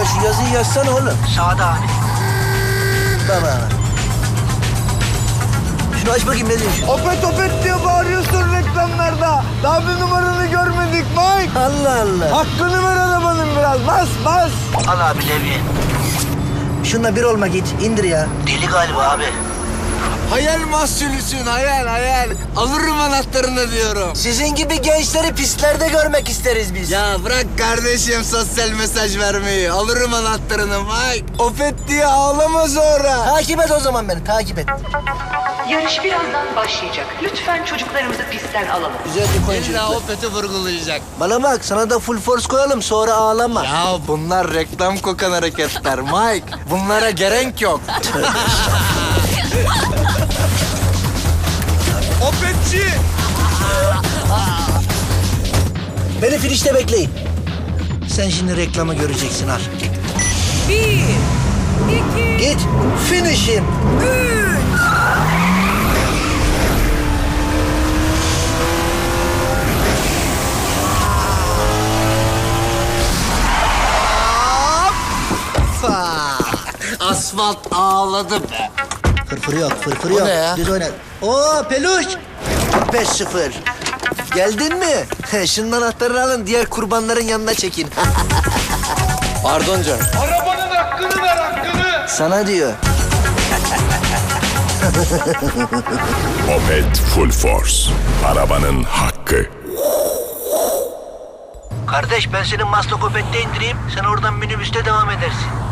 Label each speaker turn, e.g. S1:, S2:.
S1: şu yazıyı yazsana oğlum.
S2: Sağda abi.
S1: Baba. Şunu aç bakayım ne diyor şu?
S3: Opet opet diye bağırıyorsun reklamlarda. Daha bir numaranı görmedik Mike.
S1: Allah Allah.
S3: Hakkını ver arabanın biraz. Bas bas.
S2: Al abi levye.
S1: Şununla bir olma git. İndir ya.
S2: Deli galiba abi.
S4: Hayal mahsulüsün, hayal. Alırım anahtarını diyorum.
S1: Sizin gibi gençleri pistlerde görmek isteriz biz.
S4: Ya bırak kardeşim sosyal mesaj vermeyi. Alırım anahtarını Mike. Opet diye ağlama sonra.
S1: Takip et o zaman beni, takip et.
S5: Yarış birazdan başlayacak. Lütfen çocuklarımızı pistten alalım.
S1: Güzel bir koyun
S4: İlla
S1: çocuklar.
S4: Opet'i vurgulayacak.
S1: Bana bak, sana da full force koyalım, sonra ağlama.
S4: Ya bunlar reklam kokan hareketler Mike. Bunlara gerek yok. Opetçi!
S1: Beni finişte bekleyin. Sen şimdi reklamı göreceksin, al.
S6: 1, 2,
S1: Git, finish him.
S6: 3.
S4: Asfalt ağladı be.
S1: Fırfır yok, fırfır
S4: O
S1: yok.
S4: ne ya?
S1: Düz oyna. Oo peluş. 5-0. Geldin mi? Şunun anahtarını alın, diğer kurbanların yanına çekin.
S4: Pardon canım.
S3: Arabanın hakkını ver hakkını.
S1: Sana diyor.
S7: Opet Full Force. Arabanın hakkı.
S2: Kardeş ben seni Maslak Opet'te indireyim. Sen oradan minibüste devam edersin.